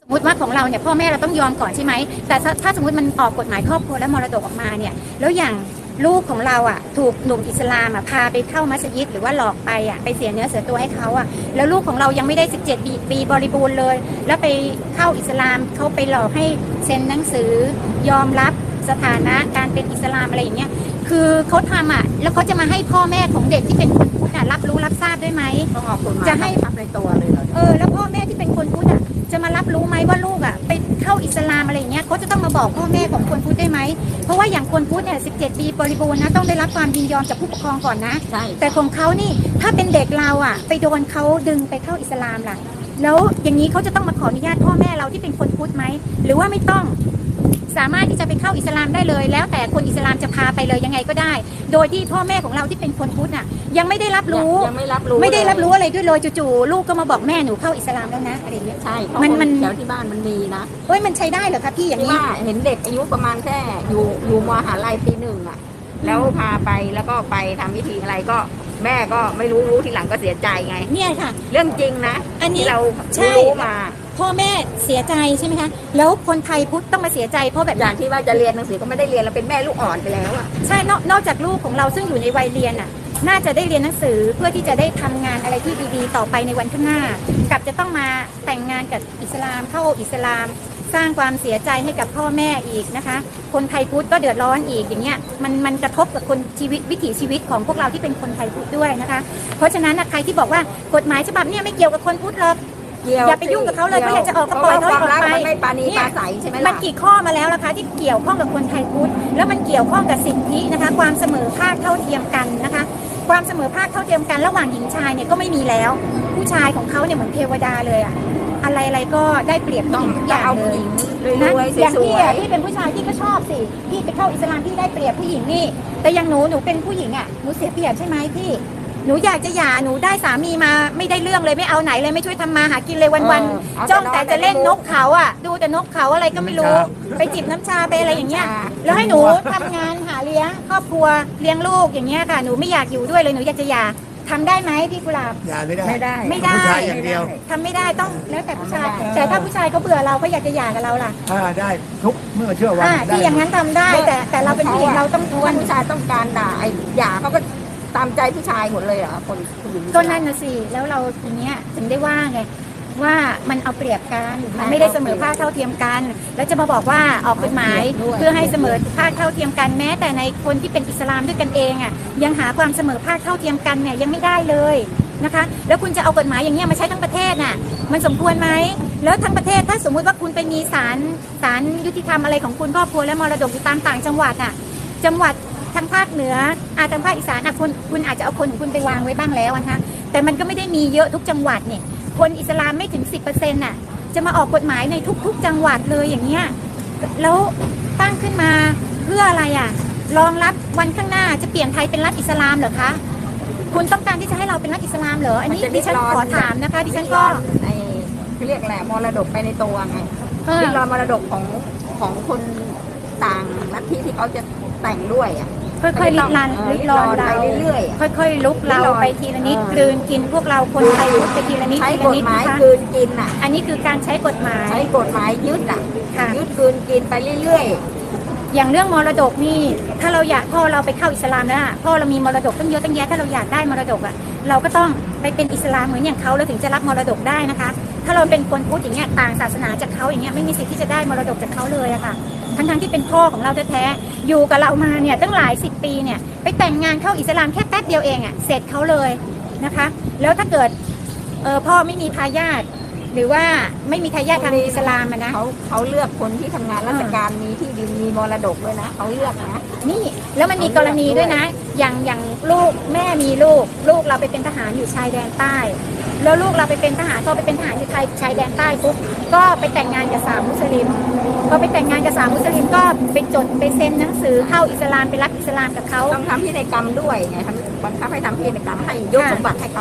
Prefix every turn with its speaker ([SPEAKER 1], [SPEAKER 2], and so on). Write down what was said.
[SPEAKER 1] สมมติว่าของเราเนี่ยพ่อแม่เราต้องยอมก่อนใช่ไหมแต่ถ้าสมมติมันออกกฎหมายครอบครัวและมรดกออกมาเนี่ยแล้วอย่างลูกของเราถูกหนุ่มอิสลามพาไปเข้ามัสยิดหรือว่าหลอกไปเสียเนื้อเสียตัวให้เขาแล้วลูกของเรายังไม่ได้17 ปีบริบูรณ์เลยแล้วไปเข้าอิสลามเขาไปหลอกให้เซ็นหนังสือยอมรับสถานะการเป็นอิสลามอะไรอย่างเงี้ยคือเขาทำแล้วเขาจะมาให้พ่อแม่ของเด็กที่เป็นคนพุทธรับรู้รับทราบด้วยไหม
[SPEAKER 2] ต้องออกกฎหมายจะให้ทับในตัวเลยเหรอ
[SPEAKER 1] แล้วพ่อแม่ที่เป็นคนพุทธจะมารับรู้ไหมว่าลูกไปเข้าอิสลามอะไรอย่างเงี้ยเขาจะต้องมาบอกพ่อแม่ของคนพุทธได้ไหมเพราะว่าอย่างคนพุทธเนี่ย17 ปีบริบูรณ์นะต้องได้รับความยินยอมจากผู้ปกครองก่อนนะแต่ของเขานี่ถ้าเป็นเด็กเราไปโดนเขาดึงไปเข้าอิสลามล่ะแล้วอย่างนี้เขาจะต้องมาขออนุญาตพ่อแม่เราที่เป็นคนพุทธไหมหรือว่าไม่ต้องสามารถที่จะไปเข้าอิสลามได้เลยแล้วแต่คนอิสลามจะพาไปเลยยังไงก็ได้โดยที่พ่อแม่ของเราที่เป็นคนพุทธยังไม่ได้รับรู้ไม่ได้รับรู้อะไรด้วยเลยจู่ๆลูกก็มาบอกแม่หนูเข้าอิสลามแล้วนะอะไรอย่างเงี้ย
[SPEAKER 2] ใช่มันแถวที่บ้านมันมีนะ
[SPEAKER 1] มันใช้ได้เหรอคะพี่อย่างนี้
[SPEAKER 2] เห็นเด็กอายุประมาณแค่อยู่มหาลัยปี 1แล้วพาไปแล้วก็ไปทำพิธีอะไรก็แม่ก็ไม่รู้ทีหลังก็เสียใจไง
[SPEAKER 1] เนี่ยค่ะ
[SPEAKER 2] เรื่องจริงนะ
[SPEAKER 1] อันนี้
[SPEAKER 2] เรารู้มา
[SPEAKER 1] พ่อแม่เสียใจใช่ไหมคะแล้วคนไทยพุทธต้องมาเสียใจเพราะแบบ
[SPEAKER 2] อย่างที่ว่าจะเรียนหนังสือก็ไม่ได้เรียนเราเป็นแม่ลูกอ่อนไปแล้ว
[SPEAKER 1] ใช่นอกจากลูกของเราซึ่งอยู่ในวัยเรียนน่าจะได้เรียนหนังสือเพื่อที่จะได้ทำงานอะไรที่ดีๆต่อไปในวันข้างหน้ากับจะต้องมาแต่งงานกับอิสลามเข้าอิสลามสร้างความเสียใจให้กับพ่อแม่อีกนะคะคนไทยพุทธก็เดือดร้อนอีกอย่างเงี้ยมันกระทบกับคนชีวิตวิถีชีวิตของพวกเราที่เป็นคนไทยพุทธด้วยนะคะเพราะฉะนั้นใครที่บอกว่ากฎหมายฉบับนี้ไม่เกี่ยวกับคนพุทธหรอกอย่าไปยุ่งกับเขาเลยก็อยากจะออกก็ปล่อยเขาออกไป
[SPEAKER 2] ไม่ปาณีปาใสใช่ไหมล่ะ
[SPEAKER 1] มันกี่ข้อมาแล้วนะคะที่เกี่ยวข้องกับคนไทยพุทธแล้วมันเกี่ยวข้องกับสิทธินะคะความเสมอภาคเท่าเทียมกันนะคะความเสมอภาคเท่าเทียมกันระหว่างหญิงชายเนี่ยก็ไม่มีแล้วผู้ชายของเขาเนี่ยเหมือนเทวดาเลยอะไรก็ได้เปรียบผู้หญิงทุกอย่างเลยนะอย่างพี่เป็นผู้ชายพี่ก็ชอบสิพี่ไปเข้าอิสลามพี่ได้เปรียบผู้หญิงนี่แต่อย่างหนูเป็นผู้หญิงหนูเสียเปรียบใช่ไหมพี่หนูอยากจะหย่าหนูได้สามีมาไม่ได้เรื่องเลยไม่เอาไหนเลยไม่ช่วยทำมาหากินเลยวันๆจ้องแต่จะเล่นนกเขาดูแต่นกเขาอะไรก็ไม่รู้ไปจิบน้ำชาไปอะไรอย่างเงี้ยแล้วให้หนูทำงานหาเลี้ยงครอบครัวเลี้ยงลูกอย่างเงี้ยค่ะหนูไม่อยากอยู่ด้วยเลยหนูอยากจะหย่าทำได้ไหมพี่กุหลาบ
[SPEAKER 3] หย่าไม่ได้
[SPEAKER 1] ผู้
[SPEAKER 3] ชายอย่างเดียว
[SPEAKER 1] ทำไม่ได้ต้องแล้วแต่ผู้ชายแต่ถ้าผู้ชายเขาเบื่อเราเขาอยากจะหย่ากับเราล่ะ
[SPEAKER 3] ได้ทุกเมื่อเชื่อวัน
[SPEAKER 1] ที่อย่างนั้นทำได้แต่เราเป็นผู้หญิงเราต้องทวน
[SPEAKER 2] ผู้ชายต้องการด่าหย่าเขาก็ตามใจผู้ชายหมดเลยคนผู้หญิง
[SPEAKER 1] ก็นั่นน่ะสิแล้วเราทีเนี้ยถึงได้ว่าไงว่ามันเอาเปรียบกันมันไม่ได้เสมอภาคเท่าเทียมกันแล้วจะมาบอกว่าออกกฎหมายเพื่อให้เสมอภาคเท่าเทียมกันแม้แต่ในคนที่เป็นอิสลามด้วยกันเองยังหาความเสมอภาคเท่าเทียมกันเนี่ยยังไม่ได้เลยนะคะแล้วคุณจะเอากฎหมายอย่างเงี้ยมาใช้ทั้งประเทศมันสมควรไหมแล้วทั้งประเทศถ้าสมมุติว่าคุณไปมีศาลยุติธรรมอะไรของคุณครอบครัวและมรดกอยู่ตามต่างจังหวัดจังหวัดทางภาคเหนือทางภาคอีสานคุณอาจจะเอาคนของคุณไปวางไว้บ้างแล้วนะคะแต่มันก็ไม่ได้มีเยอะทุกจังหวัดเนี่ยคนอิสลามไม่ถึง 10% จะมาออกกฎหมายในทุกๆจังหวัดเลยอย่างเงี้ยแล้วตั้งขึ้นมาเพื่ออะไรรองรับวันข้างหน้าจะเปลี่ยนไทยเป็นรัฐอิสลามเหรอคะคุณต้องการที่จะให้เราเป็นรัฐอิสลามเหรออันนี้ดิฉันขอถามนะคะดิฉันก็
[SPEAKER 2] เขาเรียกแหละมรดกไปในตัวไงที่รอมรดกของคนต่างลัทธิที่เขาจะแต่งด้วย
[SPEAKER 1] ค่อยๆลิดรอนเรา
[SPEAKER 2] เรื่อย
[SPEAKER 1] ๆค่อยๆลุกเราไปทีละนิดกลืนกินพวกเราคนไทยไปทีละนิด
[SPEAKER 2] ใช้กฎหมายกลืนกิน
[SPEAKER 1] อันนี้คือการใช้กฎหมาย
[SPEAKER 2] ยึดยึดกลืนกินไปเรื่อย
[SPEAKER 1] ๆอย่างเรื่องมรดกนี่ถ้าเราอยากพ่อเราไปเข้าอิสลามแล้วพ่อเรามีมรดกตั้งเยอะตั้งแยะถ้าเราอยากได้มรดกเราก็ต้องไปเป็นอิสลามเหมือนอย่างเขาแล้วถึงจะรับมรดกได้นะคะถ้าเราเป็นคนพุทธอย่างเงี้ยต่างศาสนาจากเขาอย่างเงี้ยไม่มีสิทธิ์ที่จะได้มรดกจากเขาเลยค่ะทั้งที่เป็นพ่อของเราแท้ๆอยู่กับเรามาเนี่ยตั้งหลาย10 ปีเนี่ยไปแต่งงานเข้าอิสลามแค่แป๊บเดียวเองเสร็จเขาเลยนะคะแล้วถ้าเกิดพ่อไม่มีทายาทหรือว่าไม่มีทายาททางอิสลามนะ
[SPEAKER 2] เขาเลือกคนที่ทำงานราชการมีที่ดินมีมรดกด้วยนะเขาเลือกนะ
[SPEAKER 1] นี่แล้วมันมีกรณีด้วยนะอย่างลูกแม่มีลูกเราไปเป็นทหารอยู่ชายแดนใต้แล้วลูกเราไปเป็นทหารก็ไปเป็นทหารอยู่ชายแดนใต้ปุ๊บก็ไปแต่งงานกับสาวมุสลิมพอไปแต่งงานกับสาวมุสลิมก็ไปจดไปเซ็นหนังสือเข้าอิสลามไปรับอิสลามกับเขา
[SPEAKER 2] ต้องทำพินัยกรรมด้วยไงบังคับให้ทำพินัยกรรมให้ยกสมบัติให้เขา